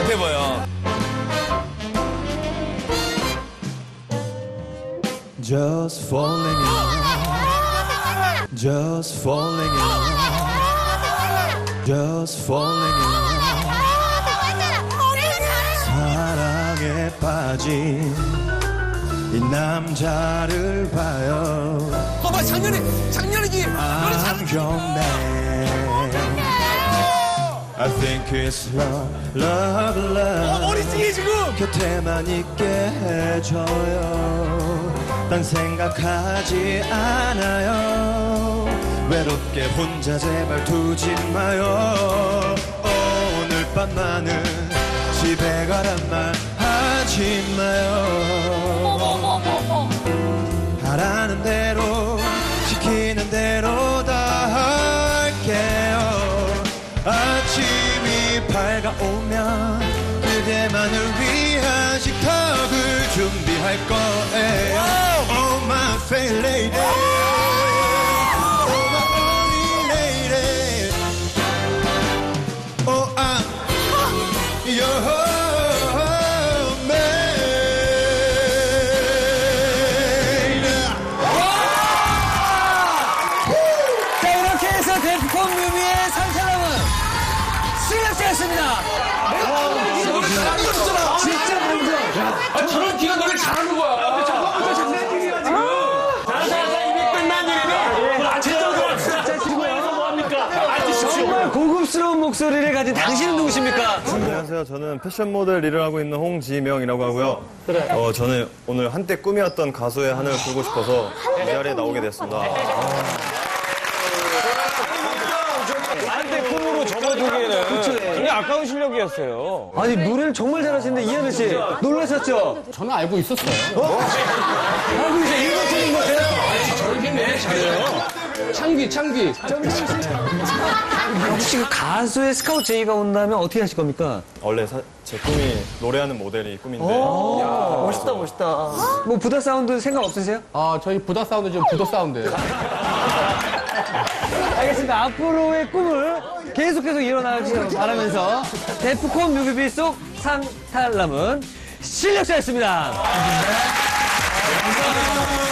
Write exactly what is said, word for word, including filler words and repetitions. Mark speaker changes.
Speaker 1: 못해 보여.
Speaker 2: Just falling in love. Just falling in love. Just falling in love. 사랑에 빠진 이 남자를 봐요.
Speaker 1: 봐봐, 작년에, 작년이지. 너네 잘.
Speaker 2: 안경맨 I think it's love, love, love.
Speaker 1: 어, 머리 찌개 지금.
Speaker 2: 곁에만 있게 해줘요. 딴 생각하지 않아요. 외롭게 혼자 제발 두지 마요. 오늘 밤만은 집에 가란 말 하지 마요. 하라는 대로 시키는 대로 다 할게요. 아침이 밝아오면 그대만을 위한 식탁을 준비할 거예요. Oh my fair lady, oh my only lady, oh I'm your man.
Speaker 3: 자, 이렇게 해서 데프콘 뮤비의 상사람은 실력자였습니다.
Speaker 1: 노래 잘하는 거 진짜.
Speaker 3: 진짜 먼저.
Speaker 1: 아, 저런 기가 노래 잘하는 거야. 근데 저거부터 장난 일이야, 지금. 자자자, 이미 끝난 일이네. 앉으시죠. 지구에서 뭐합니까? 앉으십시오.
Speaker 3: 정말 고급스러운 목소리를 가진 당신은 누구십니까?
Speaker 4: 안녕하세요. 저는 패션 모델 일을 하고 있는 홍지명이라고 하고요. 어, 저는 오늘 한때 꿈이었던 가수의 하늘을 풀고 싶어서 이 자리에 나오게 됐습니다.
Speaker 5: 한때 꿈으로 접어두기에는 굉장히 아까운 실력이었어요.
Speaker 3: 아니, 노래를 정말 잘하시는데, 이현우 씨. 놀라셨죠?
Speaker 6: 저는 알고 있었어요.
Speaker 3: 알고 있어요. 일본 팀인 것 같아요.
Speaker 1: 저렇게 잘해요.
Speaker 6: 창기, 창기.
Speaker 3: 혹시 그 가수의 스카우트 제의가 온다면 어떻게 하실 겁니까?
Speaker 4: 원래 사- 제 꿈이 노래하는 모델이 꿈인데
Speaker 3: 멋있다, 멋있다. 뭐, 부다 사운드 생각 없으세요?
Speaker 6: 아, 저희 부다 사운드 지금 부도 사운드예요.
Speaker 3: 알겠습니다. 앞으로의 꿈을 계속해서 이뤄나가시길 바라면서 데프콘 뮤비비 속 상탈남은 실력자였습니다.
Speaker 1: 감사합니다.